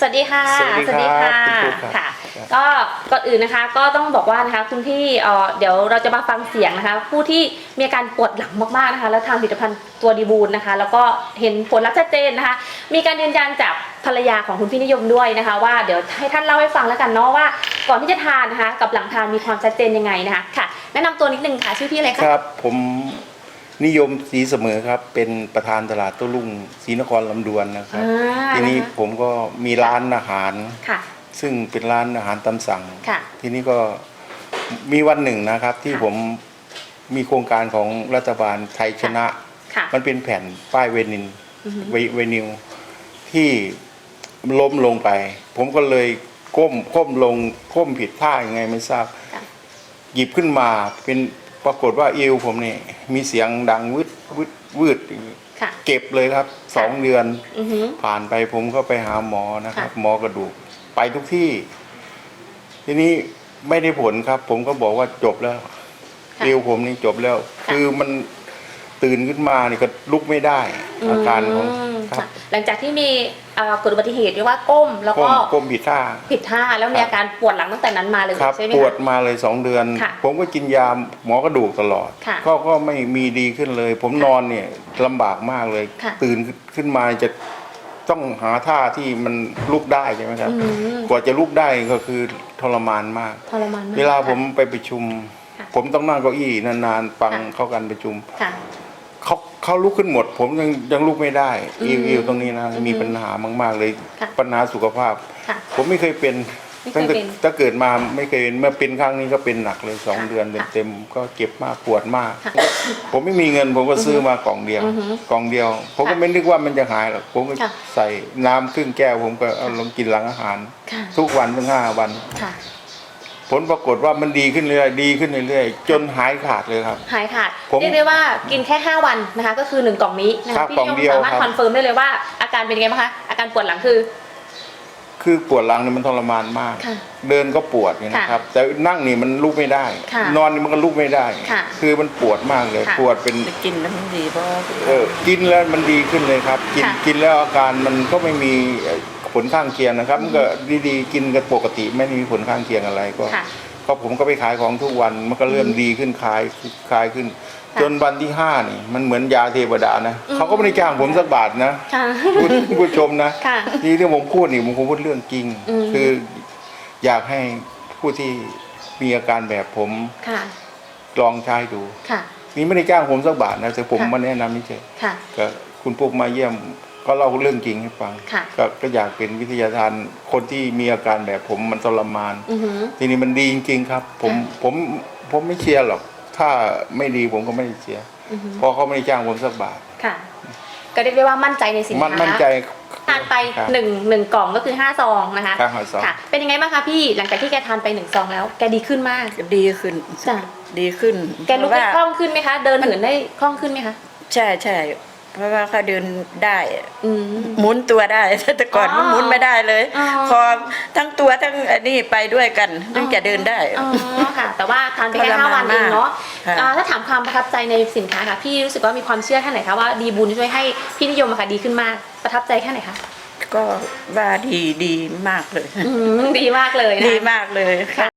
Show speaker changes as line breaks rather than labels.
วัสดีค่ะ
สวัสดีค่ะ
ค่ะก็ก่อนอื่นนะคะก็ต้องบอกว่านะคะคุณพี่เดี๋ยวเราจะมาฟังเสียงนะคะผู้ที่มีอาการปวดหลังมากๆนะคะแล้วทานผลิตภัณฑ์ตัวดีบูลนะคะแล้วก็เห็นผลลัพธ์ชัดเจนนะคะมีการยืนยันจากภรรยาของคุณพี่นิยมด้วยนะคะว่าเดี๋ยวให้ท่านเล่าให้ฟังแล้วกันเนาะว่าก่อนที่จะทานนะคะกับหลังทานมีความชัดเจนยังไงนะคะค่ะแนะนำตัวนิดนึงค่ะชื่อพี่อะไรคะ
ครับผมนิยมศรีเสมอครับเป็นประธานตลาดโต้รุ่งศรีนครลำดวนนะครับทีนี้ผมก็มีร้านอาหารซึ่งเป็นร้านอาหารตามสั่งทีนี้ก็มีวันหนึ่งนะครับที่ผมมีโครงการของรัฐบาลไทยชนะมันเป็นแผ่นป้ายเวนิวที่ล้มลงไปผมก็เลยก้มลงก้มผิดท่ายังไงไม่ทราบหยิบขึ้นมาเป็นปรากฏว่าเอวผมเนี่ยมีเสียงดังวืดเก็บเลยครับ2 เดือนผ่านไปผมก็ไปหาหมอนะครับหมอกระดูกไปทุกที่ทีนี้ไม่ได้ผลครับผมก็บอกว่าจบแล้วเอวผมนี่จบแล้วคือมันตื่นขึ้นมานี่ก็ลุกไม่ได้อาการของครับ
หลังจากที่มีเกิดอุบัติเหตุเรียกว่าก้มแล้วก็
ก้มผิดท่า
แล้วมีอาการปวดหลังตั้งแต่นั้นมาเลยใช่ไหมคะ
ปวดมาเลย2 เดือนผมก็กินยาหมอกระดูกตลอดก็ไม่มีดีขึ้นเลยผมนอนเนี่ยลำบากมากเลยตื่นขึ้นมาจะต้องหาท่าที่มันลุกได้ใช่ไหมครับกว่าจะลุกได้ก็คือทรมานมากเวลาผมไปประชุมผมต้องนั่งเก้าอี้นานๆฟังเข้ากันประชุมเขาลุกขึ้นหมดผมยังลุกไม่ได้อิวตรงนี้นะมีปัญหามากๆเลยปัญหาสุขภาพผมไม่เคยเป็นตั้งเกิดมาไม่เคยเป็นเมื่อเป็นครั้งนี้ก็เป็นหนักเลย2 เดือนเต็มก็เจ็บมากปวดมากผมไม่มีเงินผมก็ซื้อมากล่องเดียวผมก็ไม่นึกว่ามันจะหายหรอกผมก็ใส่น้ำครึ่งแก้วผมก็เอาลงกินหลังอาหารทุกวันถึง5 วันผลปรากฏว่ามันดีขึ้นเรื่อยจนหายขาดเลยครับ
หายขาดเรียกได้ว่ากินแค่5 วันนะคะก็คือ1 กล่องนี้นะคะพี่ยมสามารถคอนเฟิร์มได้เลยว่าอาการเป็นยังไงบ้างคะอาการปวดหลังคือ
ปวดหลังนี่มันทรมานมากเดินก็ปวดนะครับแต่นั่งนี่มันลุกไม่ได้นอนนี่มันก็ลุกไม่ได้คือมันปวดมากเลยปวดเป็น
กินแล้วมันดีเพราะ
กินแล้วมันดีขึ้นเลยครับกินแล้วอาการมันก็ไม่มีผลข้างเคียงนะครับมันก็ดีๆกินกันปกติไม่มีผลข้างเคียงอะไรก็ผมก็ไปขายของทุกวันมันก็เริ่มดีขึ้นคลายขึ้นจนวันที่5นี่มันเหมือนยาเทวดานะเขาก็ไม่ได้จ้างผมสักบาทนะผู้ชมนะที่ผมพูดนี่ผมพูดเรื่องจริงคืออยากให้ผู้ที่มีอาการแบบผมลองใช้ดูนี่ไม่ได้จ้างผมสักบาทนะแต่ผมมาแนะนำนี่เฉยก็คุณปุ๊กมาเยี่ยมก็เล่าเรื่องจริงให้ฟังก็อยากเป็นวิทยาทานคนที่มีอาการแบบผมมันทรมานทีนี้มันดีจริงๆครับผมไม่เชียร์หรอกถ้าไม่ดีผมก็ไม่เชียร์เพราะเขาไม่ได้จ้างผมสักบาท
ก็เรียกได้ว่ามั่นใจในสินค้า
มั่นใจ
ทานไป1 กล่องก็คือ5 ซองนะคะเป็นยังไงบ้างคะพี่หลังจากที่แกทานไป1 ซองแล้วแกดีขึ้นมาก
ดีขึ้น
แกลุกได้คล่องขึ้นไหมคะเดินเหินได้คล่องขึ้นไหมคะ
ใช่เพราะว่าเขาเดินได้หมุนตัวได้แต่ก่อนมันหมุนไม่ได้เลยคอทั้งตัวทั้งนี่ไปด้วยกันถึงจะเดินได้
ค่ะแต่ว่าทานไปแค่5 วันเองเนาะถ้าถามความประทับใจในสินค้าค่ะพี่รู้สึกว่ามีความเชื่อแค่ไหนคะว่าดีบุญช่วยให้พี่นิยมค่ะดีขึ้นมากประทับใจแค่ไหนคะ
ก็ว่าดีมากเลย
ดีมากเลย
ดีมากเลยค่ะ